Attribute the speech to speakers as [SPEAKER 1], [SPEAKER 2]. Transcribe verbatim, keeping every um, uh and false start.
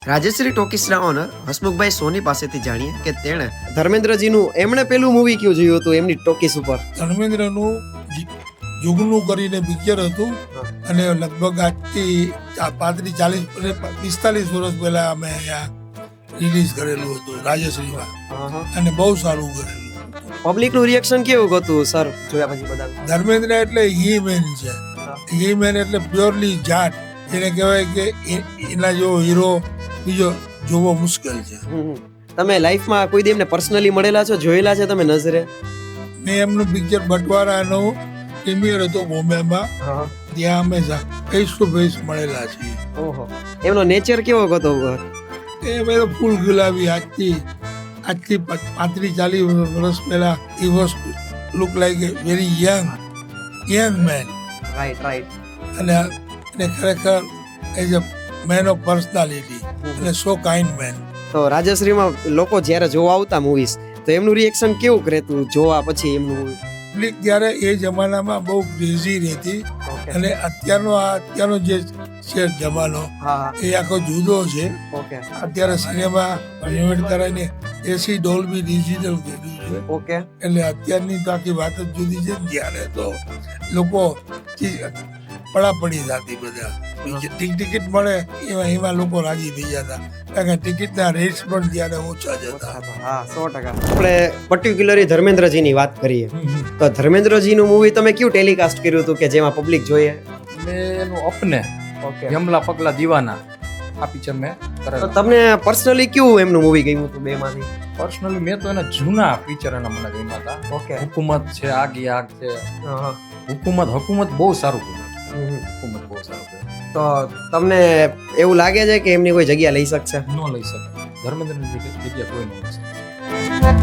[SPEAKER 1] રાજેશ્રી ટોકીસના ઓનર હસમુખભાઈ સોની પાસેથી જાણીએ કે તેણે ધર્મેન્દ્રજીનું એમણે પેલું મૂવી કયું જોયું હતું એમની ટોકીસ ઉપર.
[SPEAKER 2] ધર્મેન્દ્રનું જુગનું કરીને પિક્ચર હતું અને લગભગ આજથી પાંત્રીસ ચાલીસ પિસ્તાલીસ વર્ષ પહેલા અમે અહીંયા રિલીઝ કરેલું હતું રાજેશ્રીમાં અને બહુ સારું કરેલું.
[SPEAKER 1] પબ્લિક નું રિએક્શન કેવું હતું સર જોયા પછી બધા?
[SPEAKER 2] ધર્મેન્દ્ર એટલે હી મેન છે. હી મેન એટલે પ્યોરલી જાટ, એને કહેવાય કે એના જેવો હીરો બીજો જોવો મુશ્કેલ છે.
[SPEAKER 1] તમે લાઈફમાં કોઈ દી એમને પર્સનલી મળેલા છો, જોયેલા છે તમે નજરે?
[SPEAKER 2] મેં એમનું પિક્ચર બટવારાનું પ્રીમિયર હતું બોમ્બેમાં, ત્યાં અમે ફેસ ટુ ફેસ મળેલા છીએ.
[SPEAKER 1] ઓહો, એમનો નેચર કેવો હતો?
[SPEAKER 2] એ બધો ફૂલ ગુલાબી. આજથી આજથી પાંત્રીસ ચાલીસ વર્ષ પહેલા a was look like a very young young man.
[SPEAKER 1] Right right.
[SPEAKER 2] અને એને ખરેખર as a man of personality અને સો કાઇન્ડ મેન.
[SPEAKER 1] તો રાજેશ્રીમાં લોકો જ્યારે જોવા આવતા મૂવીઝ તો એમનું રિએક્શન કેવું રહેતું જોવા પછી એમનું મૂવી?
[SPEAKER 2] પબ્લિક ત્યારે એ જમાનામાં બહુ ક્રેઝી રહેતી અને અત્યારનો આ અત્યારનો જે છે જમાનો એ આખો જુદો છે. અત્યારે સિનેમા રિનોવેટ કરાવીને એસી ડોલ્બી ડિજિટલ કર્યું છે.
[SPEAKER 1] ઓકે,
[SPEAKER 2] એટલે અત્યારની તો આખી વાત જ જુદી છે. ત્યારે તો લોકો પડાપડી થતી, બધા ટિકિટ મળે એમાં એમાં લોકો રાજી થઈ જતા, કારણ કે ટિકિટના રેટ્સ પણ ત્યારે ઓછા જ હતા.
[SPEAKER 1] હા, સો ટકા. આપણે પર્ટિક્યુલરલી ધર્મેન્દ્રજીની વાત કરીએ તો ધર્મેન્દ્રજીનું મૂવી તમે કયું ટેલિકાસ્ટ કર્યું હતું કે જેમાં પબ્લિક જોઈએ?
[SPEAKER 3] મેં એનું અપને યમલા પગલા દીવાના આ પિક્ચર મેં
[SPEAKER 1] તો
[SPEAKER 3] કરેલું.
[SPEAKER 1] તમને પર્સનલી કયું એમનું મૂવી ગમ્યું હતું બે માંથી?
[SPEAKER 3] પર્સનલી મેં તો એના જૂના પિક્ચર એના મને ગમ્યા હતા.
[SPEAKER 1] ઓકે.
[SPEAKER 3] હુકુમત છે, આગ ઈ આગ છે. હુકુમત હુકુમત બહુ સારું કર્યું. હુકુમત બહુ સારું કર્યું.
[SPEAKER 1] તો તમને એવું લાગે છે કે એમની કોઈ જગ્યા લઈ શકશે?
[SPEAKER 3] ન લઈ શકે ધર્મેન્દ્રની જગ્યા કોઈ ન લઈ શકે.